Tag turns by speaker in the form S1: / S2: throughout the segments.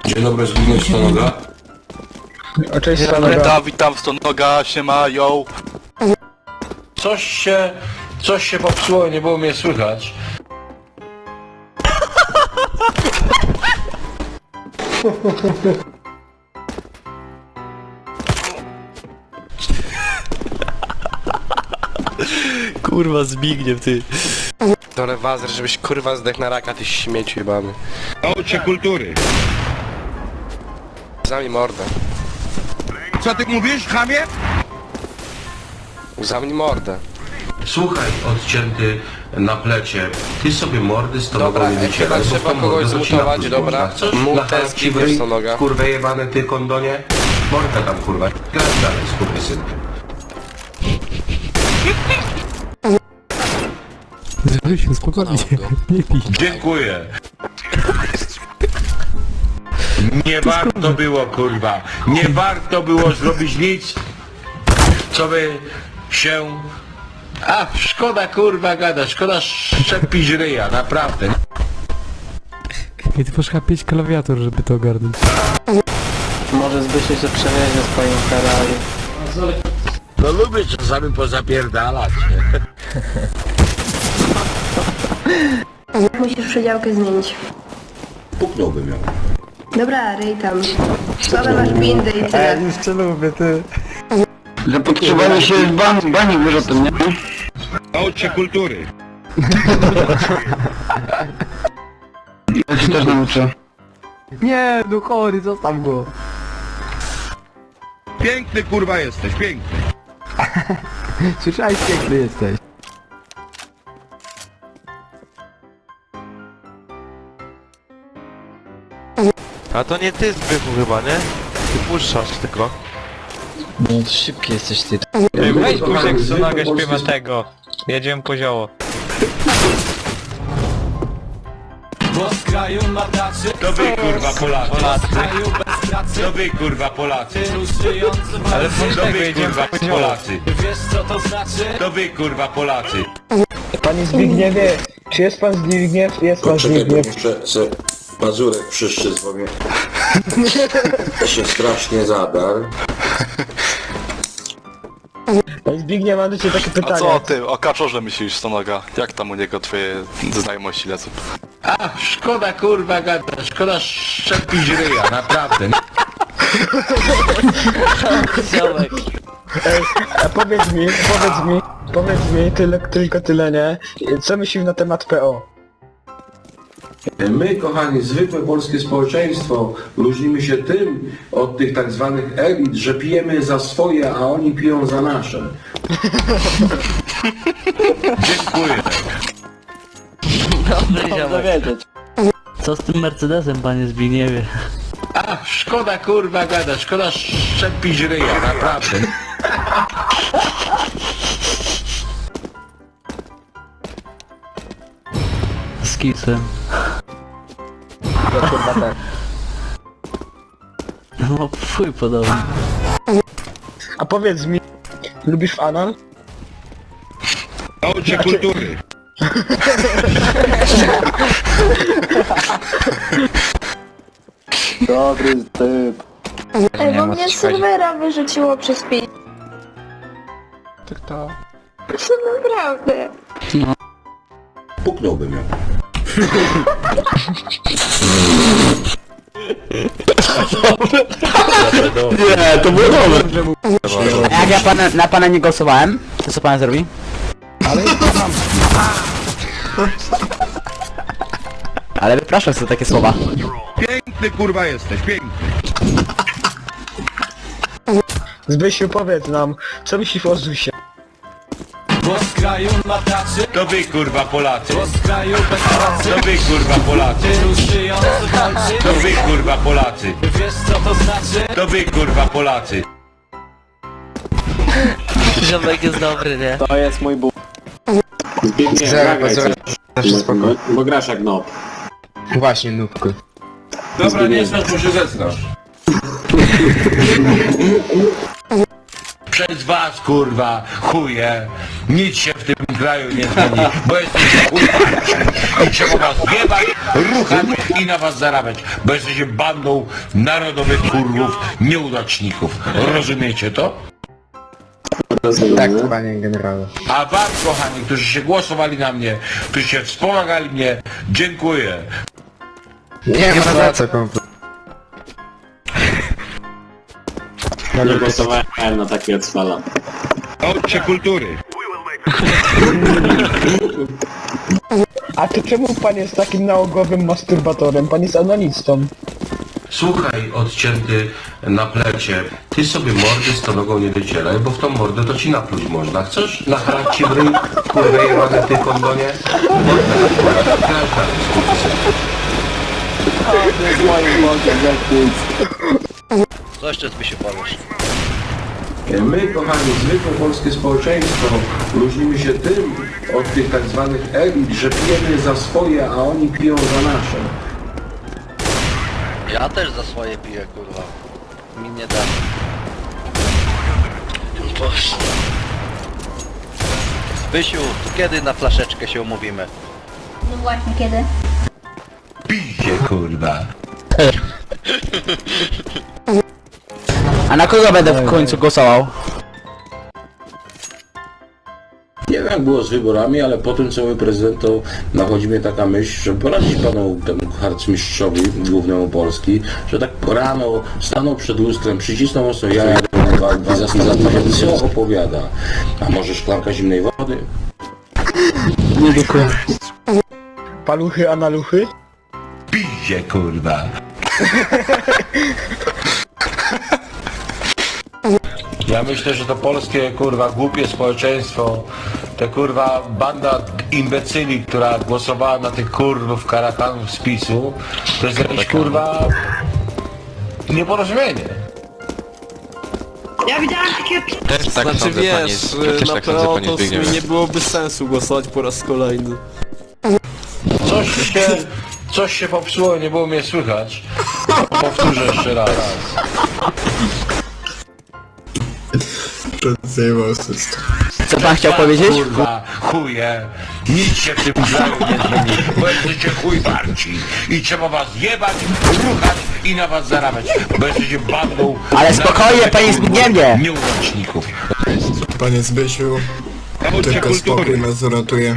S1: Dzień dobry, Zbigniew Stonoga.
S2: O, cześć, Stonoga.
S3: Witam Stonoga, siema, yo.
S1: Coś się popsuło, nie było mnie słychać.
S3: Kurwa, Zbigniew, ty.
S4: Dole wazer, żebyś kurwa zdech na raka, ty śmieciu jebany.
S5: Nauczcie kultury.
S4: Zamknij mordę.
S5: Co ty mówisz, chamie?
S4: Zamknij mordę.
S1: Słuchaj, odcięty na plecie. Ty sobie mordy z tobą
S4: Dobra,
S1: nie
S4: chyba
S1: wycieraj, bo
S4: trzeba
S1: tą
S4: kogoś
S1: mordę to ci
S4: zmutować,
S1: napluć
S4: dobra.
S1: można. Chcesz?
S4: Mów
S1: Na
S4: teraz
S1: chęci
S4: Zbigniew Stonoga.
S1: kurwę jebany, ty kondonie. Mordę tam kurwa. Grać dalej, skurwysynkiem.
S6: Zbysiu, spokojnie, nie pij.
S5: Dziękuję. Nie warto było, kurwa. Nie warto było zrobić nic, co by się... A, szkoda kurwa gada, szkoda szczepić ryja, naprawdę.
S6: I ty poszła 5 klawiatur, żeby to ogarnąć.
S2: Może Zbysiu się przewiezie swoim Ferrari.
S5: No lubię czasami pozapierdalać.
S7: Musisz przedziałkę zmienić.
S1: Puknąłbym ją.
S7: Dobra, ryj tam. Słabe masz bindy i tyle.
S2: Już cię lubię, ty.
S8: Zapotrzebowanie się w bani wyrzutem, nie?
S5: Nauczcie kultury.
S8: Ja się też nauczę.
S6: Nie, no chory, zostaw go.
S5: Piękny kurwa jesteś, piękny.
S6: Słyszałeś, piękny jesteś.
S3: A to nie ty, Zbychu, chyba, nie? Ty puszczasz tylko.
S2: No to szybki jesteś ty.
S1: Weź Guziek
S2: Stonoga śpiewa tego. Jedziemy po zioło.
S5: To wy kurwa Polacy. To wy kurwa Polacy.
S2: Ale
S5: To wy kurwa Polacy. To wy kurwa Polacy.
S2: Panie Zbigniewie, czy jest pan Zbigniew? Jest pan
S1: Poczekaj, bo
S2: Zbigniew.
S1: muszę se pazurek przyszczyć, bo mnie się strasznie zadarł.
S2: Panie Zbigniew, mam do ciebie takie
S3: A
S2: pytanie.
S3: co o tym, o kaczorze myślisz, Stonoga? Jak tam u niego twoje znajomości lecą?
S5: A, szkoda kurwa gada, szkoda szczepić ryja, naprawdę.
S2: A powiedz mi, tylko tyle, nie? Co myślisz na temat PO?
S1: My, kochani, zwykłe polskie społeczeństwo, różnimy się tym od tych tak zwanych elit, że pijemy za swoje, a oni piją za nasze.
S5: Dziękuję.
S9: Co z tym Mercedesem, panie Zbigniewie?
S5: A, szkoda kurwa gada, szkoda szczepić ryja, naprawdę.
S9: Z kisem. No, fuj podobnie.
S2: A powiedz mi, lubisz w anal?
S5: Nauczcie kultury.
S8: Dobry typ.
S7: Ej, bo mnie z serwera wyrzuciło przez pi...
S6: To.
S7: Co naprawdę?
S1: Puknąłbym ją.
S8: Nie, to było dobre. Jak ja na pana nie głosowałem, to co pan zrobi? Ale wypraszam za takie słowa.
S5: Piękny kurwa jesteś, piękny.
S2: Zbysiu, powiedz nam, co myślisz o Zusie?
S5: To wy kurwa Polacy. To wy kurwa Polacy. To wy kurwa Polacy. To wy kurwa Polacy.
S9: Ziomek jest dobry, nie?
S8: To jest mój ból.
S1: Bo grasz jak no.
S2: Właśnie, nubku.
S1: Dobra, nie znasz, bo się zestrasz.
S5: Przez was kurwa chuje. Nic się w tym kraju nie zmieni, bo jesteście kurwarci i trzeba was jebać, ruchać i na was zarabiać, bo jesteście bandą narodowych kurwów, nieudaczników. Rozumiecie to?
S2: Tak, panie generalu.
S5: A wam, kochani, którzy się głosowali na mnie, którzy się wspomagali mnie, dziękuję.
S2: Nie ma za co kompletnie.
S10: Nie głosowałem na takie cwala.
S5: Ojcze kultury.
S2: A to czemu pan jest takim nałogowym masturbatorem? Pan jest analistą.
S1: Słuchaj, odcięty na plecie, ty sobie mordy z tą nogą nie wycielaj, bo w tą mordę to ci napluć można. Chcesz nachalać ci w ryj, kurwa jebane ty kondonie? Mordę nakładać, grasz dalej, skurwysyn.
S4: Co jeszcze by się powiesz?
S1: My, kochani, zwykłe polskie społeczeństwo, różnimy się tym od tych tak zwanych elit, że pijemy za swoje, a oni piją za nasze.
S4: Ja też za swoje piję, kurwa. Mi nie da. Boże. Bysiu, kiedy na flaszeczkę się umówimy?
S7: No właśnie, kiedy?
S5: Piździe, kurwa.
S8: A na kogo będę w końcu głosował?
S1: Nie wiem jak było z wyborami, ale po tym co my prezydentom nachodzi mnie taka myśl, że poradzić panu temu harcmistrzowi głównemu Polski, że tak rano stanął przed lustrem, przycisnął mocno jaja i zastanawiał się, co opowiada. A może szklanka zimnej wody?
S2: Nie dziękuję. Paluchy, analuchy?
S5: Piździe, kurwa. Ja myślę, że to polskie, kurwa, głupie społeczeństwo, te kurwa banda imbecyli, która głosowała na tych kurwów karakanów z PiS-u, to jest jakieś kurwa nieporozumienie.
S7: Ja widziałam takie...
S3: Też tak
S10: Znaczy
S3: sądzę,
S10: wiesz,
S3: też
S10: na
S3: tak sądzę,
S10: PO
S3: panie
S10: to w sumie
S3: Zbigniewie.
S10: nie byłoby sensu głosować po raz kolejny.
S5: Coś się popsuło, nie było mnie słychać. Powtórzę jeszcze raz.
S8: Co pan chciał powiedzieć?
S5: Kurwa, chuje, nic się w tym kraju nie zmieni, bo jesteście chuj warci i trzeba was jebać, ruchać i na was zarabiać, bo jesteście bandą...
S8: Ale spokojnie, panie Zbigniewie!
S5: Nieudaczników.
S11: Panie Zbysiu, tylko spokój nas uratuje.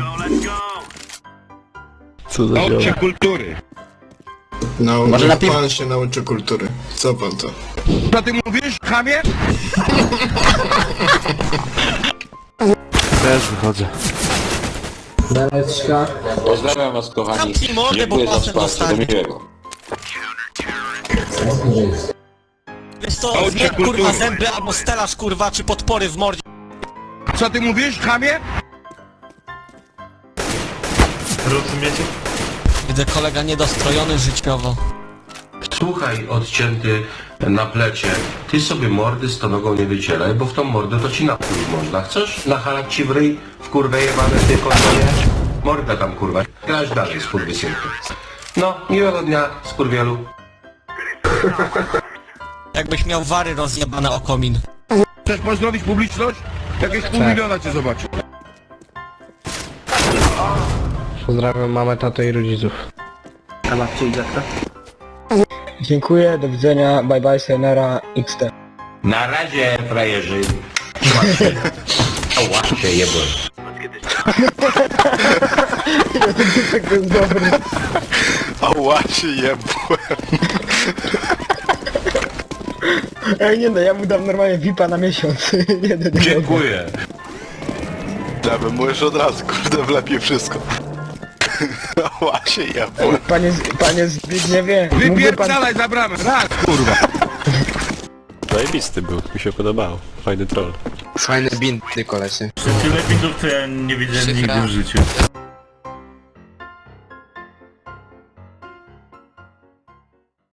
S10: Co za zioło.
S5: kultury.
S8: Może na
S11: Pan się nauczy kultury. Co pan to?
S5: Co ty mówisz, chamie?
S3: Też wychodzę.
S5: Pozdrawiam was, kochani. Dziękuję za wsparcie, do miłego.
S10: Wiesz co, zmień kurwa zęby albo stelaż kurwa, czy podpory w mordzie.
S5: Co ty mówisz, chamie?
S10: Widzę kolega niedostrojony życiowo.
S1: Słuchaj, odcięty na plecie, ty sobie mordy z tą nogą nie wycielaj, bo w tą mordę to ci napluć można. Chcesz nachalać ci w ryj, w kurwę jebane ty kondonie? Mordę tam kurwa, grasz dalej, skurwysynku. No, miłego dnia, skurwielu.
S10: Jakbyś miał wary rozjebane o komin.
S5: Chcesz pozdrowić publiczność? Jakieś pół miliona cię zobaczy.
S2: Pozdrawiam mamę, tatę i rodziców. Dziękuję, do widzenia, bye bye, sayonara, XT.
S5: Na razie, frajerzy. Trzymaj się. Ała, się jebłem.
S2: To jest dobry.
S3: Ała, się jebłem.
S2: Ej, nie no, ja mu dam normalnie VIP-a na miesiąc.
S5: Dziękuję.
S3: Ja bym mu już od razu, kurde, wlepię wszystko. Ała, się jebłem.
S2: Panie Zbigniewie, mógłby pan...
S5: za bramę, raz, kurwa.
S3: Zajebisty był, mi się podobało. Fajny troll.
S4: Fajne bindy, kolesie.
S10: Tyle bindów to ja nie widziałem nigdy w życiu.